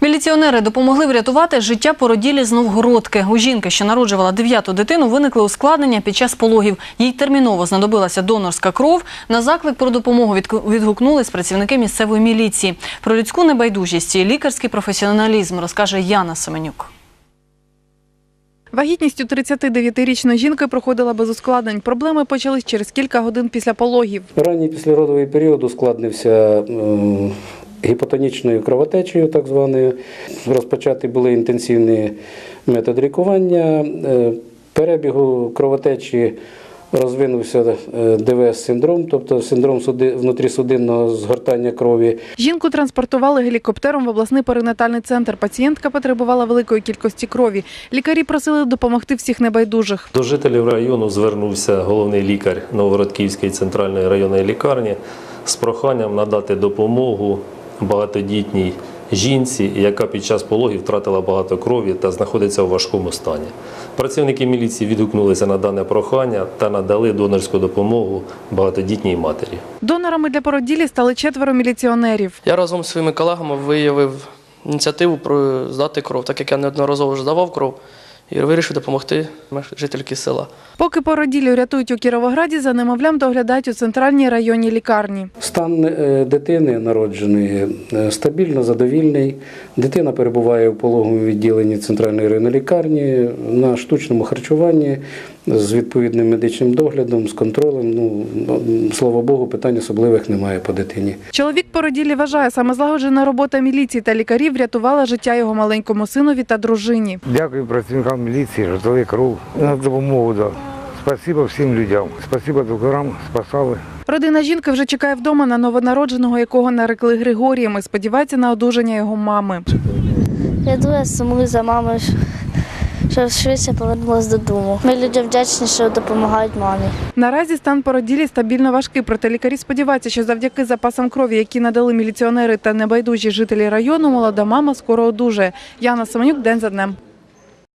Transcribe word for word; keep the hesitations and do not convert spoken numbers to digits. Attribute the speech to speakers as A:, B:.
A: Міліціонери допомогли врятувати життя породілі з Новгородки. У жінки, що народжувала дев'яту дитину, виникли ускладнення під час пологів. Їй терміново знадобилася донорська кров. На заклик про допомогу відгукнулись працівники місцевої міліції. Про людську небайдужість і лікарський професіоналізм розкаже Яна Семенюк.
B: Вагітність у тридцятидев'ятирічної жінки проходила без ускладнень. Проблеми почались через кілька годин після пологів.
C: Ранній післяродовий період ускладнився гіпотонічною кровотечею, так званою. Розпочаті були інтенсивні методи лікування. Перебігу кровотечі розвинувся ДВС-синдром, тобто синдром внутрісудинного згортання крові.
B: Жінку транспортували гелікоптером в обласний перинатальний центр. Пацієнтка потребувала великої кількості крові. Лікарі просили допомогти всіх небайдужих.
D: До жителів району звернувся головний лікар Новгород-Київської центральної районної лікарні з проханням надати допомогу багатодітній жінці, яка під час пологів втратила багато крові та знаходиться у важкому стані. Працівники міліції відгукнулися на дане прохання та надали донорську допомогу багатодітній матері.
B: Донорами для породілі стали четверо міліціонерів.
E: Я разом зі своїми колегами виявив ініціативу про здати кров, так як я неодноразово вже здавав кров. І вирішив допомогти жительки села.
B: Поки породіллю рятують у Кіровограді, за немовлям доглядають у центральній районній лікарні.
C: Стан дитини народженої стабільно задовільний. Дитина перебуває в пологовому відділенні центральної районної лікарні на штучному харчуванні з відповідним медичним доглядом, з контролем. Ну, слава Богу, питань особливих немає по дитині.
B: Чоловік породіллі вважає, саме злагоджена робота міліції та лікарів врятувала життя його маленькому синові та дружині.
F: Дякую працівникам міліції, що дали кров на допомогу. Да. Спасибо всім людям. Спасибо докторам, спасали.
B: Родина жінки вже чекає вдома на новонародженого, якого нарекли Григорієм, і сподівається на одужання його мами.
G: Я дуже сумую за мамою, що швидше повернулася додому. Ми людям вдячні, що допомагають мамі.
B: Наразі стан породілі стабільно важкий, проте лікарі сподіваються, що завдяки запасам крові, які надали міліціонери та небайдужі жителі району, молода мама скоро одужає. Яна Семенюк, день за днем.